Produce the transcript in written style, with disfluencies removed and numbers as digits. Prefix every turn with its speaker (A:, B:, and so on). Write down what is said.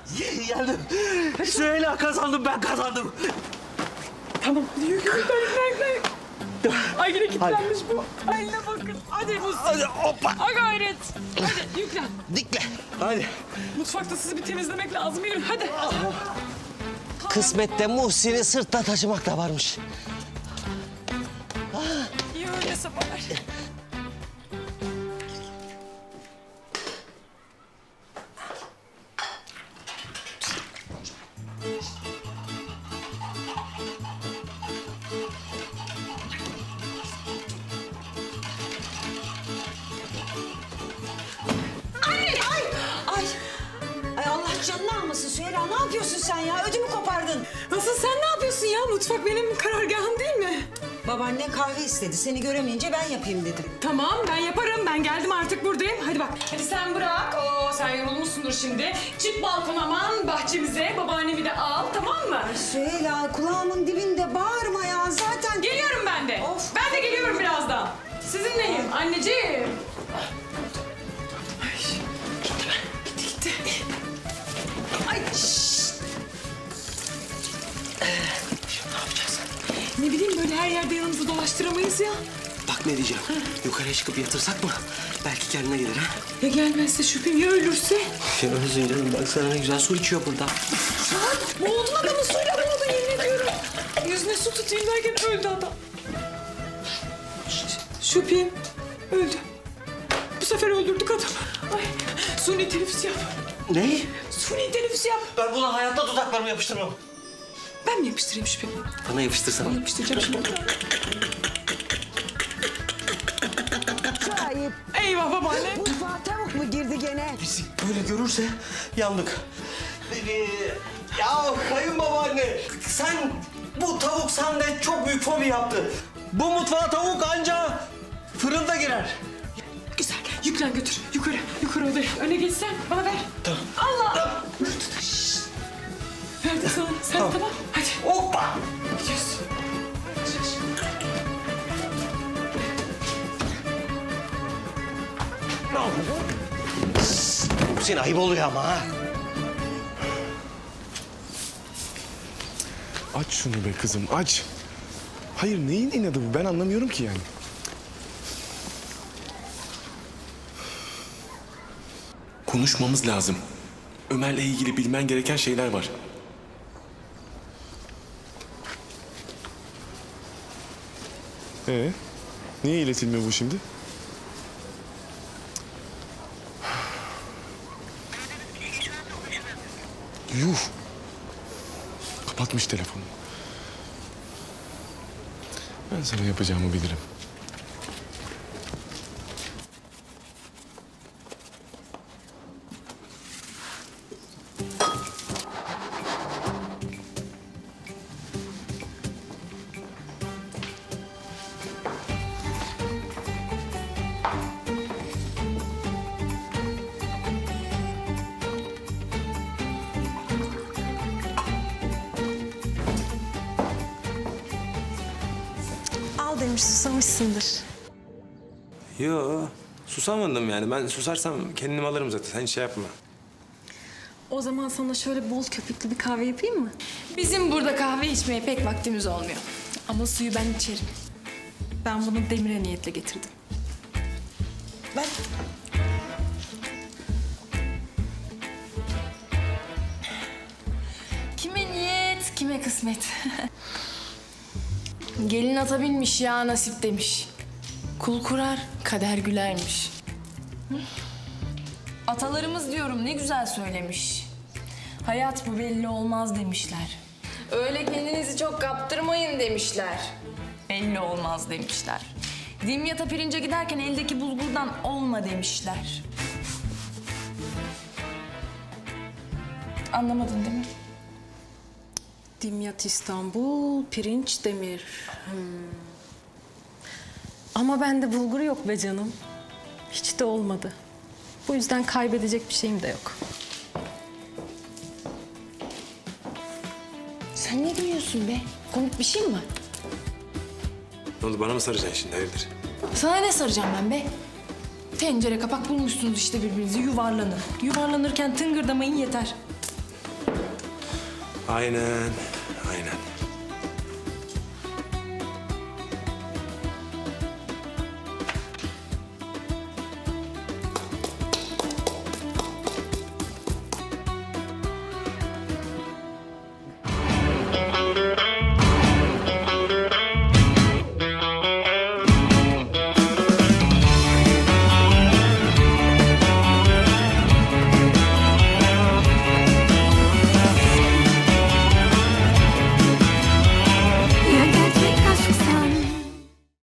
A: Geldim. Süheyla kazandım, ben kazandım.
B: Tamam. Yüklen. Ay yine kilitlenmiş bu. Ay ne bakın. Hadi Musi.
A: Hadi hoppa.
B: Ha gayret. Hadi yüklen.
A: Dikle. Hadi.
B: Mutfakta sizi bir temizlemek lazım. Yürü hadi.
A: Kısmette Muhsin'i sırtla taşımak da varmış.
B: İyi öyleyse bari.
C: Ay Allah canını almasın Süheyla. Ne yapıyorsun sen ya? Ödümü kopardın.
B: Asıl sen ne yapıyorsun ya? Mutfak benim karargahım değil mi?
C: Babaannen kahve istedi. Seni göremeyince ben yapayım dedim.
B: Tamam ben yaparım. Ben geldim artık buradayım. Hadi bak. Hadi sen bırak. Oo sen yorulmuşsundur şimdi. Çık balkona aman bahçemize. Babaannemi de al tamam mı?
C: Süheyla kulağımın dibinde bağırma ya. Zaten...
B: Geliyorum ben de.
C: Of.
B: Ben de geliyorum birazdan. Sizinleyim anneciğim. Ay, gitti. Ay şşt.
A: Şimdi ne yapacağız?
B: Ne bileyim böyle her yerde yanımızı dolaştıramayız ya.
A: Bak ne diyeceğim. Yukarıya çıkıp yatırsak mı? Belki kendine gelir ha.
B: Ya gelmezse şüphem ya ölürse?
A: Ya ölsün canım. Bak sana ne güzel su içiyor burada.
B: Boğuldun adamı suyla boğuldun yemin ediyorum. Yüzüne su tutayım derken öldü adam. Şüphem öldü. Bu sefer öldürdük adamı. Ay suni teneffüs yap.
A: Ne?
B: Suni teneffüs yap.
A: Ben buna hayatta dudaklarımı yapıştırmam.
B: Ben mi yapıştırayım Şüphem?
A: Bana yapıştırsana.
B: Yapıştıracağım şimdi.
C: Ayıp.
B: Eyvah babaanne.
C: Mutfağa tavuk mu girdi gene?
A: Bizi böyle görürse yandık. Ya kayınbabaanne, sen bu tavuk sende çok büyük fobi yaptı. Bu mutfağa tavuk anca fırında girer.
B: Güzel. Yüklen götür. Yukarı odaya. Öne geçsen bana ver.
A: Tamam.
B: Allah.
A: Tamam.
B: Şşş. Verdim sana. Sen tamam. Hadi.
A: Hoppa!
B: Gidiyoruz.
A: Hüseyin ayıp oluyor ama ha.
D: Aç şunu be kızım, aç. Hayır, neyin inadı bu? Ben anlamıyorum ki yani. Konuşmamız lazım. Ömer'le ilgili bilmen gereken şeyler var. Niye iletilmiyor bu şimdi? Yuh! Kapatmış telefonu. Ben sana yapacağımı bilirim.
E: Al demiş, susamışsındır.
F: Yo, susamadım yani. Ben susarsam kendim alırım zaten. Sen şey yapma.
E: O zaman sana şöyle bol köpüklü bir kahve yapayım mı?
G: Bizim burada kahve içmeye pek vaktimiz olmuyor. Ama suyu ben içerim.
E: Ben bunu Demir'e niyetle getirdim.
G: Ben... Kime niyet, kime kısmet. Gelin ata binmiş ya nasip demiş. Kul kurar, kader gülermiş. Hı? Atalarımız diyorum ne güzel söylemiş. Hayat bu belli olmaz demişler. Öyle kendinizi çok kaptırmayın demişler. Belli olmaz demişler. Dimyata pirince giderken eldeki bulgurdan olma demişler. Anlamadın değil mi?
E: Dimyat İstanbul, pirinç Demir. Ama bende bulgur yok be canım. Hiç de olmadı. Bu yüzden kaybedecek bir şeyim de yok.
G: Sen ne gülüyorsun be? Komik bir şey mi var?
F: Ne oldu, bana mı saracaksın şimdi, hayırdır?
G: Sana ne saracağım ben be? Tencere kapak bulmuşsunuz işte birbirinizi yuvarlanın. Yuvarlanırken tıngırdamayın yeter.
F: Aynen.